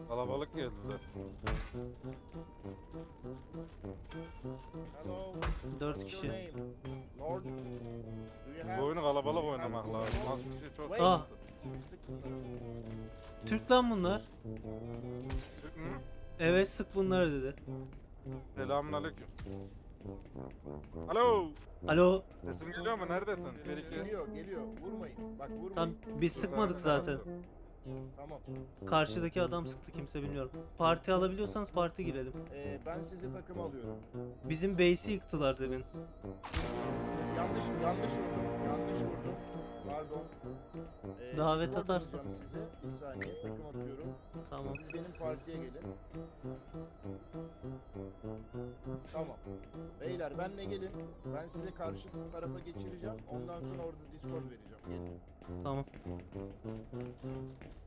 Kalabalık geldiler. Hello. 4 What's your kişi. name? Lord. Do you have... Bu oyunu kalabalık oynamak lazım. Az kişi çok Wait. Ah. Sık bunları. Türk lan bunlar. Türk mü? Evet, sık bunları dedi. Selamünaleyküm. Alo. Alo. Sesim geliyor mu? Neredesin? Bir iki. Geliyor. Vurmayın. Bak vurmayın. Tam biz sıkmadık zaten. Tamam. Karşıdaki adam sıktı, kimse bilmiyorum. Parti alabiliyorsanız parti girelim. Ben sizi takıma alıyorum. Bizim base'i yıktılar demin. Yanlış vurdum. Pardon. Davet Discord atarsın. atacağım size. Bir saniye takım atıyorum. Tamam. Siz benim partiye gelin. Tamam. Beyler benle gelin. Ben size karşı tarafa geçireceğim. Ondan sonra orada Discord vereceğim. Gelin. Tamam.